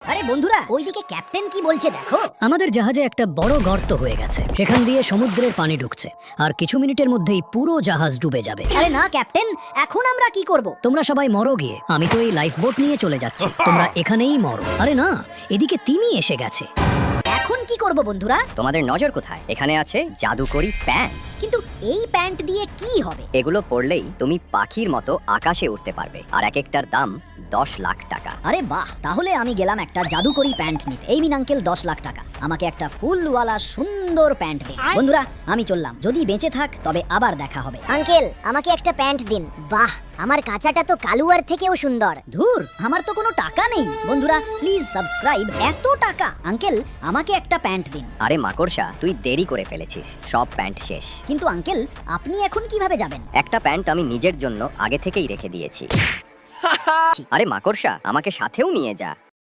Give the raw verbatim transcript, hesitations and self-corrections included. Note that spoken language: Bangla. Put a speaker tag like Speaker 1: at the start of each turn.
Speaker 1: আরে বন্ধুরা ওইদিকে ক্যাপ্টেন কি বলছে দেখো।
Speaker 2: আমাদের জাহাজে একটা বড় গর্ত হয়ে গেছে, সেখান দিয়ে সমুদ্রের পানি ঢুকছে, আর কিছু মিনিটের মধ্যেই পুরো জাহাজ ডুবে যাবে।
Speaker 1: আরে না ক্যাপ্টেন, এখন আমরা কি করব?
Speaker 2: তোমরা সবাই মরো গিয়ে, আমি তো এই লাইফ বোট নিয়ে চলে যাচ্ছি, তোমরা এখানেই মরো। আরে না, এদিকে তিমি এসে গেছে।
Speaker 1: এখন কি করব বন্ধুরা?
Speaker 3: তোমাদের নজর কোথায়? এখানে আছে জাদুকরি প্যান্ট।
Speaker 1: কিন্তু এই প্যান্ট দিয়ে কি হবে?
Speaker 3: এগুলো পরলেই তুমি পাখির মতো আকাশে উঠতে পারবে, আর এক একটার দাম দশ লাখ টাকা।
Speaker 1: আরে বাহ, তাহলে আমি গেলাম একটা জাদুকরি প্যান্ট নিতে। এই মিন আঙ্কেল, দশ লাখ টাকা, আমাকে একটা ফুলওয়ালা সুন্দর প্যান্ট দিন। বন্ধুরা আমি চললাম, যদি বেঁচে থাক তবে আবার দেখা হবে।
Speaker 4: আঙ্কেল আমাকে একটা প্যান্ট দিন। বাহ, আমার কাঁচাটা তো কালুয়ার থেকেও সুন্দর।
Speaker 1: ধুর, আমার তো কোনো টাকা নেই। বন্ধুরা প্লিজ সাবস্ক্রাইব। এত টাকা? আঙ্কেল আমাকে একটা প্যান্ট দিন।
Speaker 3: আরে মাকড়সা, তুই দেরি করে ফেলেছিস, সব প্যান্ট শেষ।
Speaker 1: কিন্তু আঙ্কেল আপনি এখন কিভাবে যাবেন?
Speaker 3: একটা প্যান্ট আমি নিজের জন্য আগে থেকেই রেখে দিয়েছি। আরে মাকড়সা, আমাকে সাথেও নিয়ে যা।